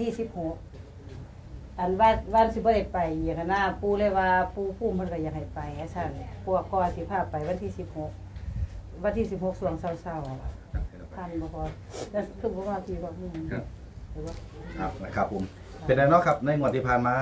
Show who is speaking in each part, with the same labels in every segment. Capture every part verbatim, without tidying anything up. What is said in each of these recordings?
Speaker 1: ที่สิบหกอันว่าวันสิบ่ได้ไปอย่างนั้นนะปู่เลยว่าปู่ปู่เพิ่นก็อยากให้ไปซั่นพวกก็สิพาไปวันที่สิบหกวันที่สิบหกช่วงเช้าๆทันบ่พอแล้วคือบ่ว่าพี่ว่าอืมครับ
Speaker 2: ครับนะครับผมเป็นไงเนาะครับในงวดที่ผ่านมาง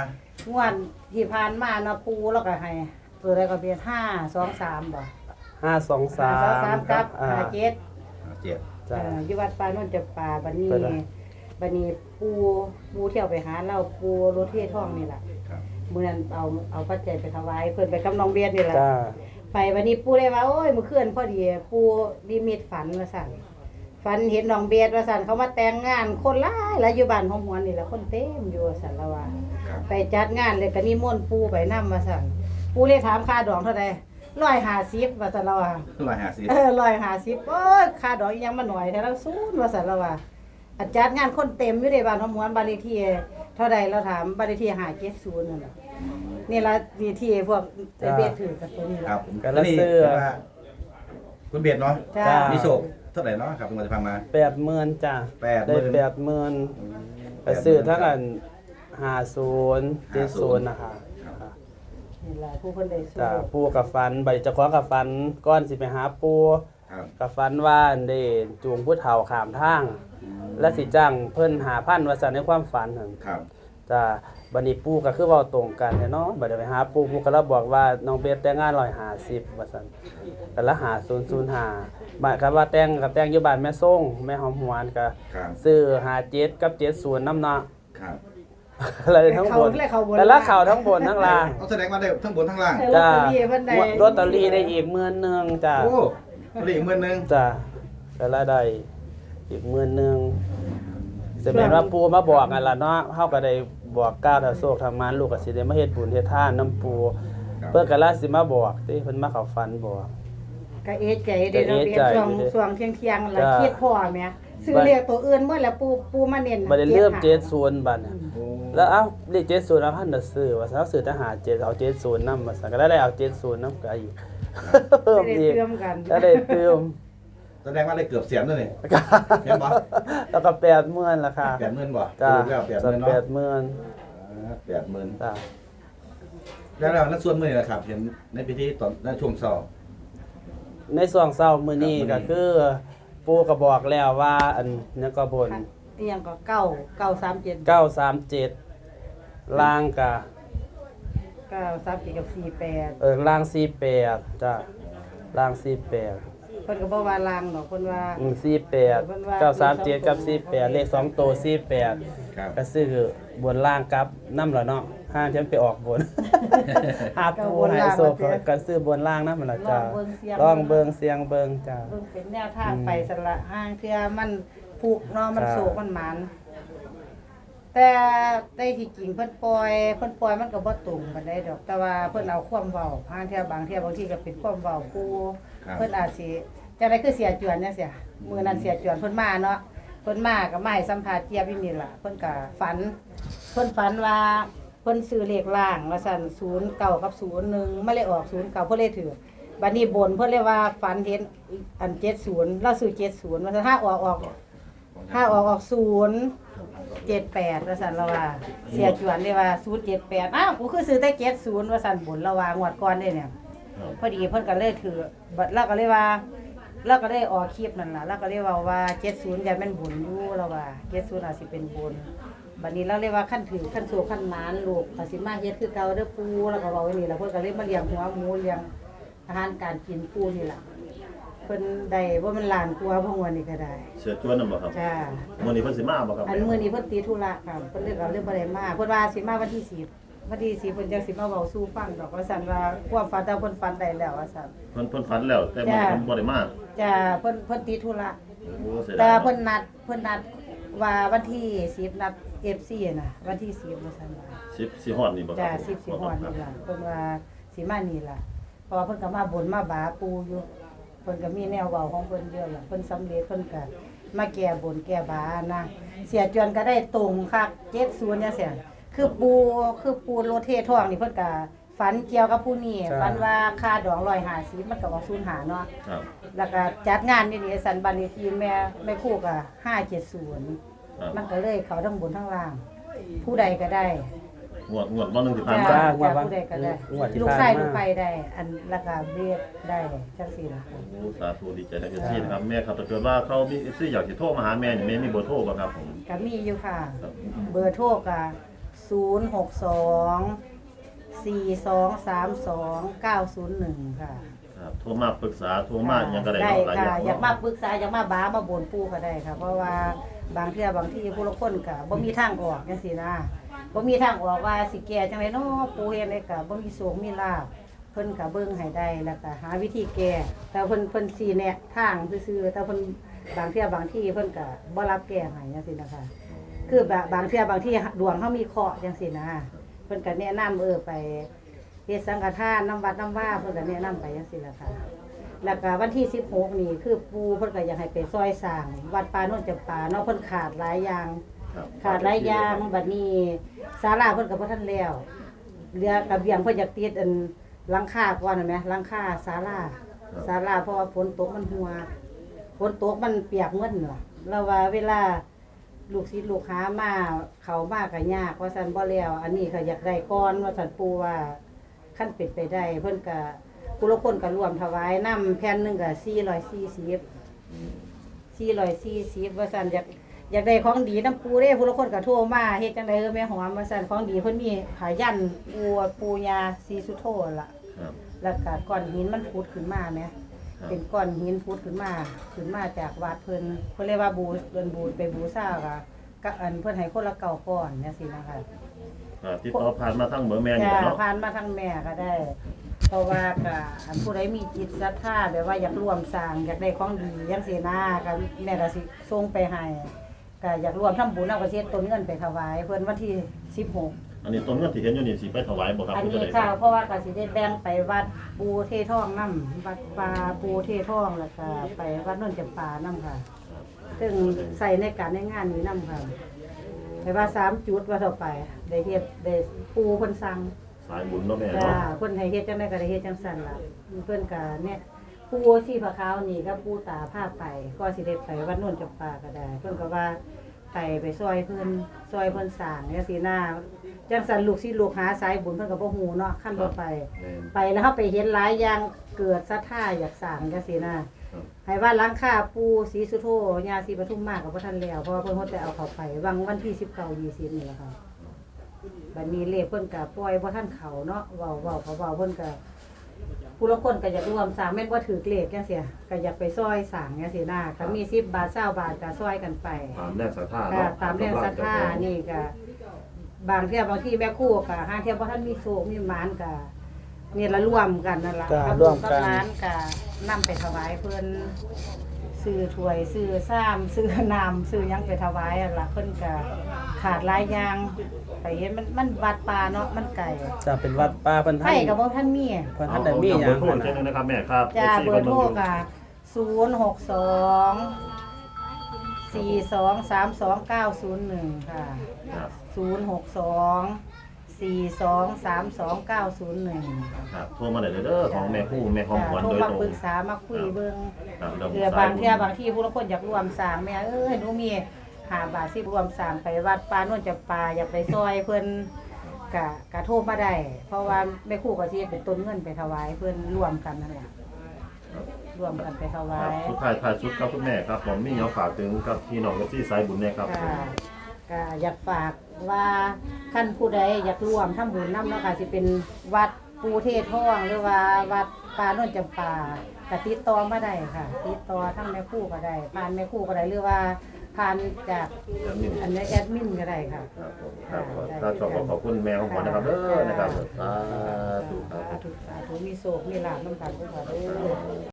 Speaker 1: วดที่ผ่านมาเนาะปู่แล้วก็ให้ตัวใดก็เป็นห้า สอง สามบ่
Speaker 3: ห้า สอง สาม
Speaker 1: ห้า สอง สามกับ
Speaker 3: อ่า
Speaker 1: ห้า เจ็ด
Speaker 2: เจ็ด
Speaker 3: จ้ะ
Speaker 1: เอ่ออยู่วัดป่าโนนจะป่าบัดนี้
Speaker 3: ไปละ
Speaker 1: บัดนี้ปู่ปู่เที่ยวไปหาเราปู่รถเททองนี่ล่ะ
Speaker 2: ครับ
Speaker 1: มื้อนั้นเอาเอาปัจจัยไปถวายเพิ่นไปกับน้องเบียดนี่ล่ะ
Speaker 3: จ้า
Speaker 1: ไปวันนี้ปู่เลยว่าโอ้ยมื้อคืนพอดีปู่นิมิตฝันว่าซั่นฝันเห็นน้องเบียดว่าซั่นเขามาแต่งงานคนหลายหลายอยู่บ้านของหวนนี่ล่ะคนเต็มอยู่ว่าซั่นละว่า
Speaker 2: ครับ
Speaker 1: ไปจัดงานเลยก็นิมนต์ปู่ไปนำว่าซั่นปู่เลยถามค่าดอกเท่าใดหนึ่งร้อยห้าสิบว่าซั่นละว่า
Speaker 2: ร้อยห้าสิบ
Speaker 1: เออหนึ่งร้อยห้าสิบโอ้ยค่าดอกอีหยังมาหน่อยแต่เราศูนย์ว่าซั่นละว่าอาจัดงานคนเต็มอยู่ในบ้านของหวนบ้านเลขที่เท่าใดเราถามบ้านเลขที่ห้าเจ็ดศูนย์นั่นล่ะนี่ล่ะนี่ที่พวกไอ้เบียดถือกับตัวนี้
Speaker 2: ค
Speaker 1: ล่ะ
Speaker 2: รับผม
Speaker 3: กันละเสื้อ
Speaker 2: นี่ว่าคุณเบียดเนาะ
Speaker 1: จ้า
Speaker 3: จ้า
Speaker 2: มีโชคเท่าไหร่เนาะครับงวดที่ผ่านมา
Speaker 3: แปดหมื่นจ้ะ
Speaker 2: แปดห
Speaker 3: ได้
Speaker 2: มื่น
Speaker 3: แปดหมื่นไปซื้อทั้งอันห้าศูนย์เจ็ดศูนย์นะคะ
Speaker 1: นี่ล่ะผู้เพิ่นได้สู้
Speaker 3: จ้ะปูกับฟันใบจะคว้ากับฟันก้อนสิไปหาปู
Speaker 2: ครับ
Speaker 3: กับฟันว่าได้จูงผู้เฒ่าข้ามทาง และสิจ้างเพิ่นหาพันว่าซั่นในความฝันหั่น
Speaker 2: ครับ
Speaker 3: จ้ะบัดนี้ปู่ก็คือเว้าตรงกันแท้เนาะบัดนี้ไปหาปู่ปู่ก็เลยบอกว่าน้องเบสแต่งงานหนึ่งร้อยห้าสิบว่าซั่นก็ละหาศูนย์ศูนย์ห้าหมายความว่าแต่งกับแต่งอยู่บ้านแม่ส่งแม่หอมหวนก็
Speaker 2: ครับ
Speaker 3: ซื้อห้าเจ็ดกับเจ็ดศูนย์นำเนาะ
Speaker 2: ครับ
Speaker 3: เลยทั้งบนแต่ละข่าวทั้งบนทั้งล่าง
Speaker 2: เอาแสดงว่าได้ทั้งบนทั้งล่าง
Speaker 1: เออลอตเตอรี่เพิ่นได้
Speaker 3: ลอตเตอรี่ได้อีกหมื่นหนึงจ้ะ
Speaker 2: โอ้ผลิตอีกหมื่นหนึง
Speaker 3: จ้ะแต่ละได้อีกหมื่นหนึงแสดงว่าปู่มาบอกกันล่ะเนาะเฮาก็ได้บอกก้าวถ้าโชคทำมานลูกก็สิได้มาเฮ็ดบุญเฮ็ดทานนำปู่ เพิ่นก็ลาสิมาบอกติเพิ่นมาเข้าฝันบอก
Speaker 1: ก็เอะใจเด้เนาะ
Speaker 3: ก็เอะ
Speaker 1: เรีย
Speaker 3: ใจ
Speaker 1: นช่วง
Speaker 3: อยู่เด้
Speaker 1: ช่วงเที่ยงๆแล้ว
Speaker 3: จ้า
Speaker 1: คิดพ่อแม่ซื้อเลขตัวอื่นหมดแล้วปูปูมาเน้น
Speaker 3: บัดนี้เริ่ม
Speaker 1: จ็
Speaker 3: เจ็
Speaker 1: ด
Speaker 3: ดศูนย์บัดเนี่ย
Speaker 2: โอ้
Speaker 3: แล้วเอ้าเลขเจ็ดศูนย์เอาพันน่ะซื้อว่าซะซื้อทหารเจ็ดเอาเจ็ดศูนย์นำมาซะก็ได้เอาเจ็ดศูนย์นำก็อีกเพิ่ม
Speaker 1: ได้
Speaker 3: อีก
Speaker 1: เติมกัน
Speaker 3: แล้วได้เติม
Speaker 2: แสดงว่าได้เกือบเสียนด้วยนี่เห็นบ่
Speaker 3: แล้วก็แปดหมื่นราคา
Speaker 2: แปดหมื่นบ่
Speaker 3: จ้า
Speaker 2: สรุปแล้วแปดหมื่น
Speaker 3: แป
Speaker 2: เนาะ
Speaker 3: ดหมื่น
Speaker 2: อ่าแปดหมื่น
Speaker 3: จ้า
Speaker 2: แล้วแล้วนักส่วนมือนี่นะครับ เห็นในพิธีตอนในช่วงเช้า
Speaker 3: ในช่วงเช้ามื้อนี้
Speaker 2: ครั
Speaker 3: ก็
Speaker 2: บมื้อนี้
Speaker 3: คือปู่ก็บอกแล้วว่าอันนั้นก็บน
Speaker 1: อีหยังก็เก้าเก้าสามเจ็ด
Speaker 3: เก้าสามเจ็ดล่างก็
Speaker 1: เก้าสามเจ็ดกับสี่แปด
Speaker 3: เออล่างสี่แปดจ้าล่างสี่แปด
Speaker 1: เพิ่นก็บ่ว่าลางดอกเพิ่นว่า
Speaker 3: อืมสี่แปดเก้าสามเจ็ดกับสี่แปดเลขสองตัวสี่แปด
Speaker 2: ครับ
Speaker 3: ก็ซื้อบนล่างกับน้ำเหรอเนาะห้างฉันไปออกบน หาปูหายโซก็ซื้อบนล่างนะมันละจ้าลองเบิงเสียงเบิงจ้า
Speaker 1: เพิ่นเป็นแนวทางไปสละห้างเทื่อมันผูกเนาะมัน
Speaker 3: จ้า
Speaker 1: โศกมันหมานแต่ได้ที่จริงเพิ่นปล่อยเพิ่นปล่อยมันก็บ่ตรงปานใดดอก แต่ว่าเพิ่นเอาความเว้าห้างเทื่อบางเทื่อบางทีก็เป็นความเว้าผู้
Speaker 2: ครับ
Speaker 1: เพิ่นอาจสิจังได๋คือเสียจวนจังซี่มื้อนั้นเสียจวนเพิ่นมาเนาะเพิ่นมาก็มาให้สัมภาษณ์เจี๊ยบอยู่นี่ล่ะเพิ่นก็ฝันเพิ่นฝันว่าเพิ่นซื้อเลขล่างว่าซั่นศูนย์เก้ากับศูนย์หนึ่งมาเลยออกศูนย์เก้าเพิ่นเลยถือบัดนี้บนเพิ่นเลยว่าฝันเห็นอันเจ็ดศูนย์เราซื้อเจ็ดศูนย์ว่าซั่นถ้าออกออกถ้าออกออกศูนย์เจ็ดแปดว่าซั่นเราว่าเสียจวนเลยว่าศูนย์เจ็ดแปดอ้าวกูคือซื้อแต่เจ็ดศูนย์ว่าซั่นบนเราว่างวดก่อนเด้เนี่ย พอดีเพิ่นก็เลยถือบัดเราก็เลยว่าเราก็ได้ออกคลิปนั่นล่ะเราก็เลยเว้าว่าเจ็ดศูนย์อย่าแม่นบุญอยู่เราว่าเจ็ดศูนย์อาจสิเป็นบุญบัดนี้เราเลยว่าขั้นถือขั้นโซขั้นหมานลูกก็สิมาเฮ็ดคือเก่าเด้อปู่แล้วก็เว้าไว้นี่ล่ะเพิ่นก็เลยมาเลี้ยงหัวหมูเลี้ยงอาหารการกินปู่นี่ล่ะเพิ่นได้บ่มันล้านกว่าพวกวันนี้ก็ได้
Speaker 4: เสือจวนนำบ่ครับ
Speaker 1: จ้า
Speaker 4: มื้อนี้เพิ่นสิมาบ่ครับ
Speaker 1: อันมื้อนี้เพิ่นติดธุระค่ะเพิ่นเลยก็เลยบ่ได้มาเพิ่นว่าสิมาวันที่สิบวันที่สิบเพิ่นจังสิมาเว้าสู่ฟังดอกว่าซั่นว่าความฝันแต่เพิ่นฝันได้แล้วว่าซั่น
Speaker 4: เพิ่นเพิ่นฝันแล้วแต่มื้อนี้
Speaker 1: จ้า
Speaker 4: เพิ่นบ่ได้มา
Speaker 1: จ้าเพิ่นเพิ่นติดธุระ
Speaker 4: โอ้เสีย
Speaker 1: แต่
Speaker 4: ดาย
Speaker 1: เพิ่นนัดเพิ่นนัดว่าวันที่สิบนัด เอฟ ซี น่ะวันที่สิบว่าซั่นว่า
Speaker 4: สิบสิฮอดนี่บ่ครั
Speaker 1: จ้า
Speaker 4: บ
Speaker 1: สิบสิฮอดนี่ล่ะเพิ่นว่าสิมานี่ล่ะเพราะว่าเพิ่นก็มาบนมาบาปูอยู่เพิ่นก็มีแนวเว้าของเพิ่นเยอะล่ะเพิ่นสำเร็จเพิ่นก็มาแก้บนแก้บานะเสียจวนก็ได้ตรงคักเจ็ดศูนย์จังซี่คือปูคือปูโรเททองนี่เพิ่นก็ฝันเกี่ยวกับผู้นี้ฝันว่าค่าดอกหนึ่งร้อยห้าสิบมันก็ออกศูนย์ห้าเนาะ
Speaker 4: ครับ
Speaker 1: แล้วก็จัดงานนี่นี่สันบันเลขที่แม่แม่ครู่ก็ห้าเจ็ดศูนย์
Speaker 4: ครับ
Speaker 1: มันก็เลยเขาทั้งบนทั้งล่าง ผู้ใดก็ได้
Speaker 4: งวดงวดวันหนึงที่ผ่าน
Speaker 1: จ้า
Speaker 4: มา
Speaker 1: จ้าผู้ใดก็ได้
Speaker 3: งวดที่
Speaker 1: ลูก
Speaker 3: ผ่าน
Speaker 1: ชาย
Speaker 3: มา
Speaker 1: ลูกไปได้ อันราคาเบียดได้จังซี่ล่ะ
Speaker 4: โอ้สาธุดีใจนะเอฟซีนะครับแม่ครับถ้าเกิดว่าเขามีเอฟซีอยากสิโทรมาหาแม่นี่แม่มีเบอร์โทรบ่ครับผม
Speaker 1: ก็มีอยู่ค่ะ
Speaker 4: ครับ
Speaker 1: เบอร์โทรก็ศูนย์ หก สอง สี่ สอง สาม สอง เก้า ศูนย์ หนึ่ง ค่ะ
Speaker 4: ครับโทรมาปรึกษาโทรมาหยังก็ได้
Speaker 1: ได้
Speaker 4: เนาะหลายอ
Speaker 1: ค่ะ
Speaker 4: ย่าง
Speaker 1: อยากมา
Speaker 4: เนาะ
Speaker 1: ปรึกษาอยากมาบ้ามาบ่นปู่ก็ได้ค่ะ เพราะว่าบางเทื่อบางที่ผู้ละคนก็บ่มีทางออกจังซี่นะบ่มีทางออกว่าสิแก้จังไดเนาะปู่เฮ็ดได้ก็บ่มีโศกมีลาภเพิ่นก็เบิ่งให้ได้แล้วก็หาวิธีแก้แต่เพิ่นเพิ่นสิแนะทางซื่อๆแต่เพิ่นบางเทื่อบางที่เพิ่นก็บ่รับแก้ให้จังซี่นะคะคือบางบางเทื่อบางที่ดวงเฮามีเคราะห์จังซี่นะเพิ่นก็แนะนำเออไปเฮ็ดสังฆทานนำวัดนำว่าเพิ่นก็แนะนำไปจังซี่ล่ะค่ะ แล้วก็วันที่สิบหกนี่คือปูเพิ่นก็อยากให้ไปซอยสร้างวัดป่าโนนจำปาเนาะเพิ่นขาดหลายอย่าง
Speaker 4: ครับ
Speaker 1: ขาดหลายอย่างบัดนี้ศาลาเพิ่นก็บ่ทันแล้วเรือกระเบียงเพิ่นอยากติดอันหลังคาก่อนเห็นไหมหลังคาศาลาศาลาเพราะว่าฝนตกมันหัวฝนตกมันเปียกหมดน่ะแล้วว่าเวลาลูกศิษย์ลูกหามาเข้ามาก็ยากว่าซั่นบ่แล้วอันนี้ก็อยากได้ก่อนว่าซั่นปู่ว่าคันเป็นไปได้เพิ่นก็ผู้ละคนก็ร่วมถวายนำแผ่นหนึงก็สี่ร้อยสี่สิบ สี่ร้อยสี่สิบว่าซั่นอยากอยากได้ของดีน้ำปูเด้ผู้ละคนก็โทรมาเฮ็ดจังได๋เออแม่หอมว่าซั่นของดีเพิ่นมีผายันปูปูยาสีสุโธล่ะ
Speaker 4: ครับ
Speaker 1: แล้วก็ก้อนหินมันพุดขึ้นมาแหม
Speaker 4: ครับ
Speaker 1: เป็นก้อนหินพุดขึ้นมาขึ้นมาจากวัดเพิ่นเพิ่นเรียกว่าบูเดินบูไปบูชาก็ก็อันเพิ่นให้คนละเก้าก้อนจังซี่นะคะ
Speaker 4: ครับติดต่อผ่านมาทางเบอร์แม่นี่
Speaker 1: จะ
Speaker 4: แหละเนาะ
Speaker 1: ผ่านมาทางแม่ก็ได้ เพราะว่าก็อันผู้ใดมีจิตศรัทธาแบบว่าอยากร่วมสร้างอยากได้ของดีจังซี่นะก็แม่ก็สิส่งไปให้ก็อยากร่วมทำบุญเอาก็สิเฮ็ดต้นเงินไปถวายเพิ่นวันที่สิบหก
Speaker 4: อันนี้ต้นเงินที่เห็นอยู่นี่สิไปถวายบ่ครับ
Speaker 1: อัน
Speaker 4: ผู้
Speaker 1: นี้
Speaker 4: ใดค
Speaker 1: ค่ะ
Speaker 4: รับ
Speaker 1: เพราะว่าก็สิได้แบ่งไปวัดปูเททองนำวัดปลาปูเททองแล้วก็ไปวัดโนนจำปานํค่ะ ซึ่งใส่ในการในงานนี้นํค่ะไปว่าสามจุดว่าต่อไปได้เฮ็ดได้ปูเพิ่นสั่ง
Speaker 4: สายบุญเนาะแม่
Speaker 1: จ้า
Speaker 4: เนาะ
Speaker 1: เพิ่นให้เฮ็ดจังได๋ก็ได้เฮ็ดจังซั่นล่ะเพิ่นก็เนี่ยปูสีผาขาวนี่ก็ปูตาพาไปก็สิได้ไปวัดโนนจำปาก็ได้ เพิ่นก็ว่าไปไปซอยเพิ่นซอยเพิ่นสร้างจังซี่นะจังซั่นลูกศิษย์ลูกหาสายบุญเพิ่นก็บ่ฮู้เนาะคันบ่ไป
Speaker 4: แม่น
Speaker 1: ไปแล้วเฮาไปเห็นหลายอย่างเกิดศรัทธาอยากสร้างจังซี่นะครับ ให้ว่าหลังคาปูศรีสุโธญาศรีปทุมมาก็บ่ทันแล้วเพราะว่าเพิ่นเฮาแต่เอาเข้าไปวังวันที่สิบเก้า ยี่สิบนี่แหละค่ะ บัดนี้เลขเพิ่นก็ปล่อยบ่ทันเข้าเนาะเว้าเว้าเขาเว้าเพิ่นก็ผู้ละคนก็อยากร่วมสร้างแม่นบ่ถือเลขจังซี่ก็อยากไปซอยสร้างจังซี่นะก็มีสิบบาทยี่สิบบาทก็ซอยกันไป
Speaker 4: ตามแรงศรัทธา
Speaker 1: ก็
Speaker 4: เนาะ
Speaker 1: ตามแรงศรัทธานี่ก็บางเที่ยบางที่แม่ครู่ก็หาเที่ยบ่ทันมีโชคมีหมานก็นี่ละร่วมกันนั่นล่ะ
Speaker 3: ก็
Speaker 1: กับ
Speaker 3: ร่
Speaker 1: ลู
Speaker 3: ว
Speaker 1: ก
Speaker 3: ม
Speaker 1: กับ
Speaker 3: กัน
Speaker 1: หลานก็นำไปถวายเพิ่นซื้อถ้วยซื้อซ้ำซื้อน้ำซื้อหยังไปถวายนั่นล่ะเพิ่นก็ขาดหลายอย่างไปเห็นมันมันวัดป่าเนาะมันไกล
Speaker 3: จะเป็นวัดป่าเพิ่น
Speaker 1: ไผ
Speaker 3: ท่าน
Speaker 1: ก็บ่ทันมี
Speaker 3: เพิ่นท่านได้มีหยัง
Speaker 4: เบอร์โทร
Speaker 3: หั่น
Speaker 4: เช่น
Speaker 3: น่ะ
Speaker 4: นึงนะครับแม่ครับ
Speaker 1: จ้า
Speaker 4: เอฟซี
Speaker 1: เบอร์โทร
Speaker 4: พิ่น
Speaker 1: ก็ศูนย์ หก สอง สี่ สอง สาม สอง เก้า ศูนย์ หนึ่งค่ะ
Speaker 4: ครับ
Speaker 1: ศูนย์ หก สอง สี่ สอง สาม สอง เก้า ศูนย์ หนึ่ง
Speaker 4: ครับโทรมาได้เลยเด้อของแม่ครู่แม่ของขวัญ
Speaker 1: โทร
Speaker 4: โดย
Speaker 1: มา
Speaker 4: ตรง
Speaker 1: ปรึกษามาคุยเบิ่ง
Speaker 4: ครับแล้ว
Speaker 1: เพื่อบาง
Speaker 4: สยบุญ
Speaker 1: เที่ยบางที่ผู้ละคนอยากรวมสร้างแม่เอ้ยหนูมีห้าบาทสิรวมสร้างไปวัดป่าโน่นจะปาอยากไปซอยเพิ่นกะกะโทรมาได้ เพราะว่าแม่ครูก็สิเฮ็ดเป็นต้นเงินไปถวายเพิ่นรวมกันนั่นแหละรวมกันไปถวา
Speaker 4: ครับ
Speaker 1: ย
Speaker 4: สุดท้ายท้ายสุดครับคุณแม่ครับผมมีหยังฝากถึงกับพี่น้องเอฟซีสายบุญเนี่ยครับ
Speaker 1: ค่ะก็อยากฝากว่าท่านผู้ใดอยากร่วมทำบุญนำเนาะค่ะสิเป็นวัดปูเทศท่องหรือว่าวัดป่าโน่นจำปาก็ติดต่อมาได้ค่ะ ติดต่อทั้งแม่ครูก็ได้ผ่านแม่ครูก็ได้หรือว่าผ่านจาก
Speaker 4: แล้วนี่
Speaker 1: อันนี้แอดมินก็ได้ค่ะ
Speaker 4: ครับผมครับผมถ้าชอบก็ขอบคุณแม่ของขวัญนะครับเด้อนะครับสาธุครับ
Speaker 1: สาธุสาธุมีโศกมีลาภน้ำกันด้วยค่ะเด้อ